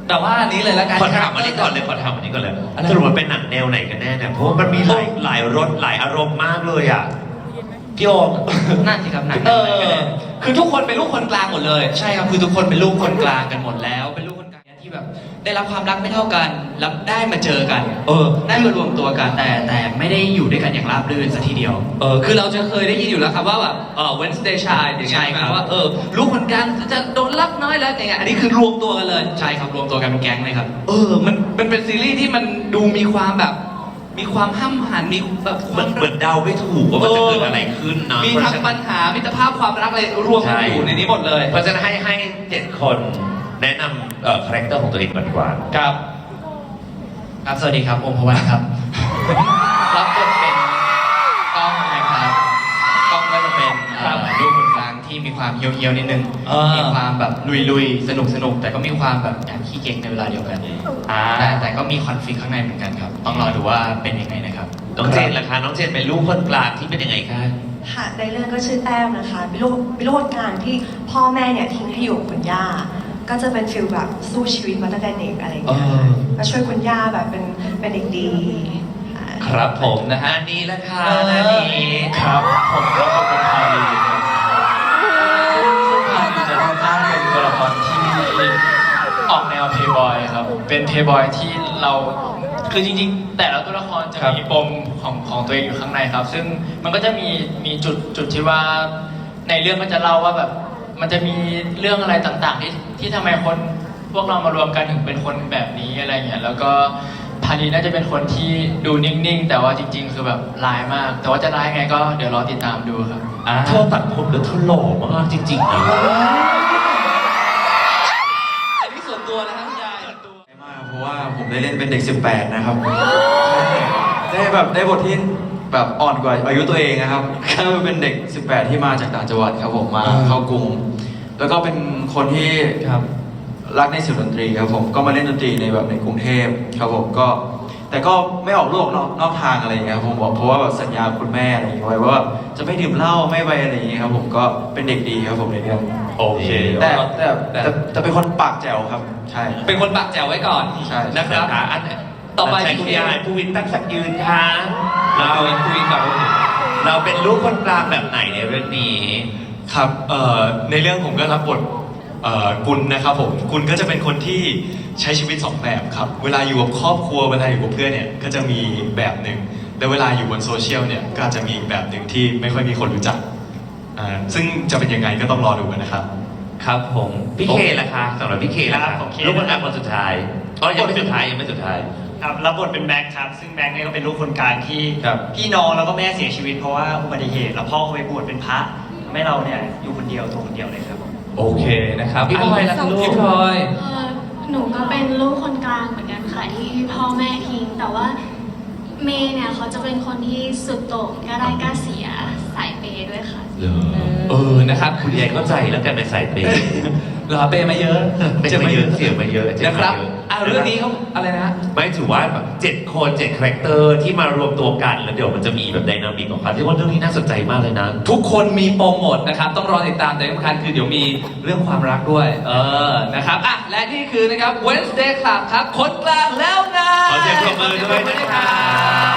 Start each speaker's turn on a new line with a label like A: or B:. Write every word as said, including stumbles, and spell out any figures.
A: แต่ว่าอันนี้เลยแล้วกัน
B: ขอถามอันนี้ก่อนเลยขอถามอันนี้ก่อนเลยสรุปมันเป็นหนังแนวไหนกันแน่เนี่ยเพราะว่ามันมีหลายหลายรสหลายอารมณ์มากเลยอ่ะพี่โอม
C: นั่นสิครับหนัง
A: เอ
C: ไหนกันแน่
A: อคือทุกคนเป็นลูกคนกลางหมดเลย
C: ใช่ครับคือทุกคนเป็นลูกคนกลางกันหมดแล้ว เป็นลูกคนกลางที่แบบได้รับความรักไม่เท่ากันแล้วได้มาเจอกัน
A: เออ
C: ได้มารวมตัวกันแต่แต่ไม่ได้อยู่ด้วยกันอย่างราบรื่นซะทีเดียว
A: เออคือเราจะเคยได้ยินอยู่แล้วครับว่าแบบเออ Wednesday Child อย่างเงี้ย
C: ใช่ครับ
A: ว่าเออลูกคนกลางจะโดนรักน้อยแล้วอย่างเงี้ยอันนี้คือรวมตัวกันเลย
C: ใช่ครับรวมตัวกันเป็นแก๊งเลยครับ
A: เออมันมันเป็นซีรีส์ที่มันดูมีความแบบ มีความห้ำหันมีแบบ
B: เหมือนเหมือนเดาไม่ถูกว่ามันจะเกิดอะไรขึ้นเนาะ
A: มีทั้งปัญหามิตรภาพความรักอะไรรวมกันอยู่ในนี้หมดเลย
B: เพราะฉะนั้นให้ให้เจ็ดคนแนะนำเอ่อคาแรคเตอร์ของตัวเองก่อนดีกว่า
A: ครับ
C: ครับสวัสดีครับโอมพวันครับ รับบทเป็นกล้องนะครับกล้องก็จะเป็นเอ่อลูกคนกลางที่มีความเยียวๆนิดนึง
A: เออ
C: มีความแบบลุยๆสนุกสนุกๆแต่ก็มีความแบบแอบขี้เก๊กในเวลาเดียวกัน
A: อ่า
C: แต่แต่ก็มีคอนฟ lict ข้างในเหมือนกันครับ ต้องรอดูว่าเป็นยังไงนะครับ
B: น้องเจนล่ะคะน้องเจนเป็นลูกคนกลางที่เป็นยังไงคะ
D: ค่ะในเรื่องก็ชื่อแต้มนะคะเป็นลูกเป็นลูกงานที่พ่อแม่เนี่ยทิ้งให้อยู่กับคุณย่า ก็จะเป็นฟิลแบบสู้ชีวิตมาตั้งแต่เด็กอะไรอย่างเงี้ย
A: เออ
D: ก็ช่วยคุณย่าแบบเป็นเป็นเด็กดีค่ะ
A: ครับผมนะฮะ
B: อันนี้ละค่ะ
A: เออ
B: อันนี้
E: ครับผมรับบทเป็นพาลีครับซึ่งพาลีจะค่อนข้างเป็นตัวละครที่ออกแนวเพย์บอยครับ เป็นเพย์บอยที่เราคือจริงๆ แต่ละตัวละครจะมีปมของของตัวเองอยู่ข้างในครับ ซึ่งมันก็จะมีมีจุดจุดที่ว่าในเรื่องก็จะเล่าว่าแบบมันจะมีเรื่องอะไรต่างๆ ที่ที่ทำไมคนพวกเรามารวมกันถึงเป็นคนแบบนี้อะไรเงี้ยแล้วก็พาลีน่าจะเป็นคนที่ดูนิ่งๆ แต่ว่าจริง ๆ คือแบบร้ายมาก แต่ว่าจะร้ายไงก็เดี๋ยวรอติดตามดูครับ
A: อ่า
B: เธอตัดผมแล้วเธอหล่อมากจริงๆนะ
A: อันนี้ส่วนตัวนะครับคุณยาย
E: มากเพราะว่าผมได้เล่นเป็นเด็กสิบแปดนะครับได้แบบได้บทที่แบบอ่อนกว่าอายุตัวเองนะครับก็เป็นเด็กสิบแปดที่มาจากต่างจังหวัดครับผมมาเข้ากรุง แล้วก็เป็นคนที่ครับรักในศิลปดนตรีครับผมก็มาเล่นดนตรีในแบบในกรุงเทพครับผมก็แต่ก็ไม่ออกโลกนอกนอกทางอะไรอย่างเงี้ยครับผมบอกเพราะว่าแบบสัญญาคุณแม่อะไรอย่างเงี้ยไว้ว่าจะไม่ดื่มเหล้าไม่ไปอะไรอย่างเงี้ยครับผมก็เป็นเด็กดีครับผมในเรื่อง
B: โอเค
E: แต่แต่แต่แต่เป็นคนปากแจ๋วครับใช่
A: เป็นคนปากแจ๋วไว้ก่อน
E: ใช่
A: นะครับ
B: อ่ะอัน
A: ต่อไป
B: ใช้
A: พี่
B: คุณ
A: เค
B: ยายผู้วินตั้งสักยืนค่ะเรา
A: คุยคุยกับ
B: เราเป็นลูกคนกลางแบบไหนในเรื่องนี้
F: ครับเอ่อในเรื่องผมก็รับบทเอ่อกุลนะครับผมกุลก็จะเป็นคนที่ใช้ชีวิตสองแบบครับเวลาอยู่กับครอบครัวเวลาอยู่กับเพื่อนเนี่ยก็จะมีแบบหนึ่งแล้วเวลาอยู่บนโซเชียลเนี่ยก็อาจจะมีอีกแบบหนึ่งที่ไม่ค่อยมีคนรู้จักอ่าซึ่งจะเป็นยังไงก็ต้องรอดูกันนะครับ
B: ครับผมพี่เคล่ะคะสำหรับพี่เคล่ะ
G: ครั
B: คะ
G: บผมเค
B: ลูกคนกลางคนสุดท้ายอ๋อยังไม่สุดท้ายยังไม่สุดท้าย
G: ครับรับบทเป็นแม็กครับ ซึ่งแม็กเนี่ยก็เป็นลูกคนกลางที่
E: ครับ
G: พี่น้องแล้วก็แม่เสียชีวิตเพราะว่าอุบัติเหตุแล้วพ่อเขาไปบวชเป็นพระทำให้เราเนี่ยอยู่คนเดียวตัวคนเดียวเลยครับ
A: โอเคนะครับ
B: พี่พลอยล่ะลูก
A: พี่พลอย
H: เอ่อหนูก็เป็นลูกคนกลางเหมือนกันค่ะที่พ่อแม่ทิ้ง แต่ว่าเมย์เนี่ยเขาจะเป็นคนที่สุดโต่งกล้าได้กล้าเสียสายเปย์ด้วยค่ะ
A: เออนะครับ
B: คุณยายเข้าใจแล้วกันในสายเปย์
A: เหรอเปย์มาเยอะ
B: เป็นมาเยอะเสียมาเยอะเจ็บ
A: นะค
B: มา
A: รับ
B: เยอะ
A: อ่าเรื่องนี้เขาอะไรนะ
B: ไม่ถือว่าแบบเจ็ดคนเจ็ดคาแรคเตอร์ที่มารวมตัวกันแล้วเดี๋ยวมันจะมีแบบไดนามิกของเขาที่ว่าเรื่องนี้น่าสนใจมากเลยนะ
A: ทุกคนมีปมหมดนะครับ ต้องรอติดตามแต่ที่สำคัญคือเดี๋ยวมีเรื่องความรักด้วย เออนะครับอ่ะและนี่คือนะครับ Wednesday Club ครับคนกลางแล้วนะ
B: ขอเสียงปรบมือด้วยนะครับ